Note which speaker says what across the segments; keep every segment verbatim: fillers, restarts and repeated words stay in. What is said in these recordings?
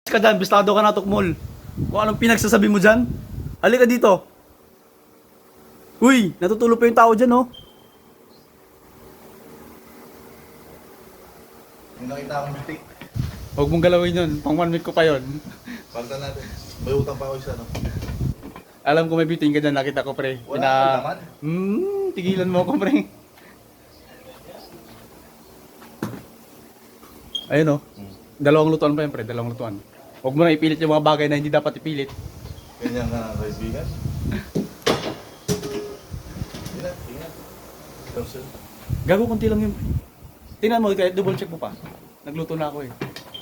Speaker 1: ka dyan, bistado ka na tukmol. Kung anong pinagsasabi mo dyan. Halika dito. Uy, natutulog pa yung tao dyan, oh.
Speaker 2: Yung nakita akong butik.
Speaker 1: Huwag mong galawin yun, pang one week ko pa yun.
Speaker 2: Pagta natin. May utang pa ako isa, no?
Speaker 1: Alam ko may biting ka dyan, nakita ko pre.
Speaker 2: Wala akong laman.
Speaker 1: Hmm, tigilan mo ako pre. Ayun oh. Dalawang lutuan pa yan pre, dalawang lutuan. Huwag mo na ipilit yung mga bagay na hindi dapat ipilit.
Speaker 2: Ganyan nga, kaibigan. Tingnan, tingnan. Thousand.
Speaker 1: Gago, konti lang yun. Tingnan mo, kahit double check mo pa. Nagluto na ako eh.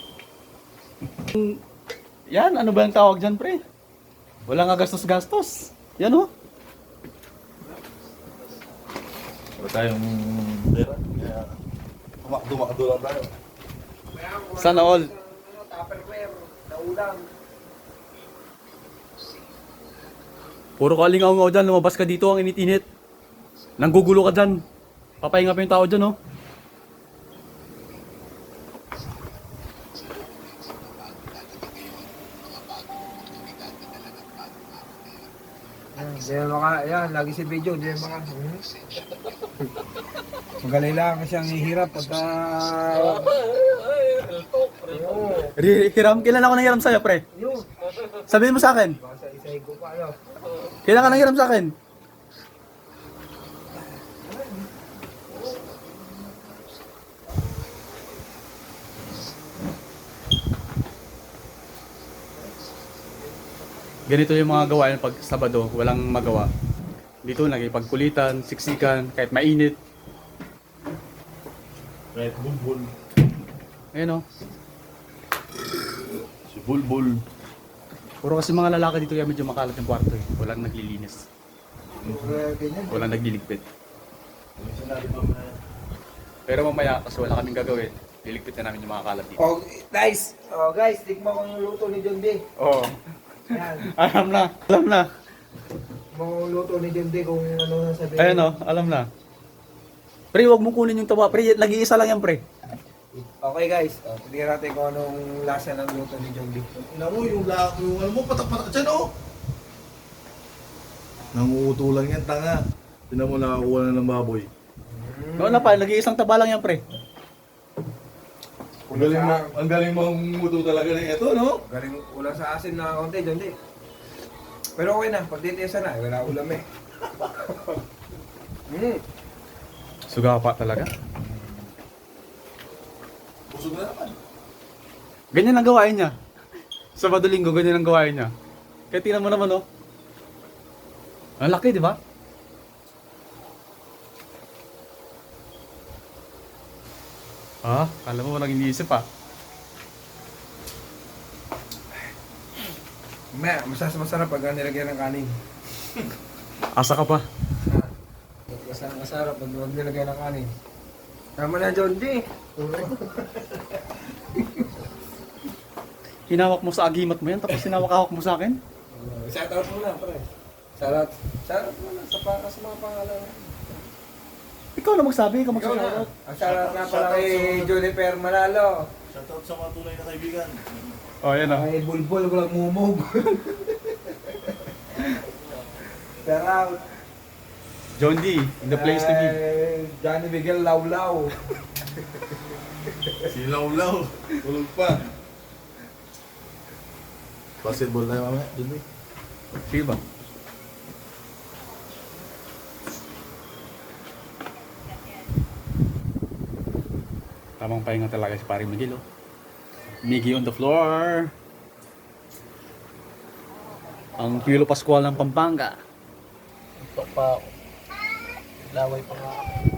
Speaker 1: Yan, ano ba yung tawag dyan pre? Wala nga gastos-gastos. Yan oh.
Speaker 2: Wala tayong pera. Kaya dumakdo lang tayo.
Speaker 1: Sana all.
Speaker 3: Tupperware, naulang.
Speaker 1: Puro kalingaw-ngaw dyan, lumabas ka dito, ang init-init. Nanggugulo ka dyan. Papahinga pa yung tao dyan, oh.
Speaker 3: Yan, di mga, yan, lagi si video, di mga. Hmm. Magaling lang siyang ihirap pagka...
Speaker 1: Ri- Hiram, kailan ako nanghiram sa'yo, pre?
Speaker 3: Yun,
Speaker 1: Sabihin mo sa akin.
Speaker 3: baka sa isahin ko pa, yun.
Speaker 1: Kailan ka nanghiram sa akin? Ganito yung mga gawain pag Sabado, walang magawa. Dito nagipagkulitan, siksikan, kahit mainit.
Speaker 2: Kahit bulbul.
Speaker 1: Ayun oh.
Speaker 2: Si bulbul.
Speaker 1: Puro kasi mga lalaki dito yung medyo makalat yung kwarto eh. Walang naglilinis.
Speaker 3: Kaya ganyan.
Speaker 1: Walang nagliligpit.
Speaker 2: May sinabi pa na
Speaker 1: Pero mamaya, kasi wala kaming gagawin, liligpit na namin yung mga kalat dito.
Speaker 3: Oh, guys, oh guys, tikman ko yung luto ni John D.
Speaker 1: Oo.
Speaker 3: Yan,
Speaker 1: Alam na, alam na.
Speaker 3: tikman ko yung luto ni John D kung ano na sabihin.
Speaker 1: Ayun oh, alam na. Pre, wag mo kunin yung tawa. Pre, nag-iisa lang yan, pre.
Speaker 3: Okay guys, oh, tignan natin kung anong lasa ng luto ni John D.
Speaker 2: ina mo, yung lak, yung ano mo, patak-patak dyan, oh! Nanguuto lang yan, tanga. Tinan mo, nakakuha na ng baboy.
Speaker 1: Noon na pa, nag-iisang taba lang yan, pre.
Speaker 2: Ang galing mo, ang galing mong muto talaga ng ito, no?
Speaker 3: Galing ulam sa asin na konti, John D. Pero okay na, pagtitiyasan na, wala ulam eh. Hmm.
Speaker 1: Suga pa talaga.
Speaker 2: Busog na naman.
Speaker 1: Ganyan ang gawain niya. Sabado linggo, ganyan ang gawain niya. Kaya tingnan mo naman, oh. Ang laki, di ba? Ah, kala mo walang iniisip ah.
Speaker 3: May, masas masarap pag nilagyan ng kanin.
Speaker 1: Asa ka pa.
Speaker 3: Mas masarap pag huwag nilagyan ng kanin. Tama na, John D.
Speaker 1: Hinawak mo sa agimat mo yan, tapos hinawak-hawak mo sa akin.
Speaker 3: Shout out mo na, pre. Shout out. Shout out mo na sa, pa, sa mga pangalan.
Speaker 1: Ikaw na magsabi, ikaw
Speaker 3: Ikaw na.
Speaker 1: magsashoutout.
Speaker 3: Ang shout out na pala kay Juniper Manalo.
Speaker 2: Shoutout sa mga tunay na kaibigan.
Speaker 1: Oh, yan ah.
Speaker 3: Ay, bulbul, walang mumog. Shout out.
Speaker 1: John D, in the place to be.
Speaker 3: Ay, Johnny Miguel Lawlaw.
Speaker 2: Si Lawlaw. Tulog pa. Basketball na mamaya, dun eh.
Speaker 1: Sige ba? Tamang pahinga talaga si paring Miguel, oh. Miggy on the floor. Ang Piolo Pascual ng Pampanga.
Speaker 3: Ito pa. Laway pa nga.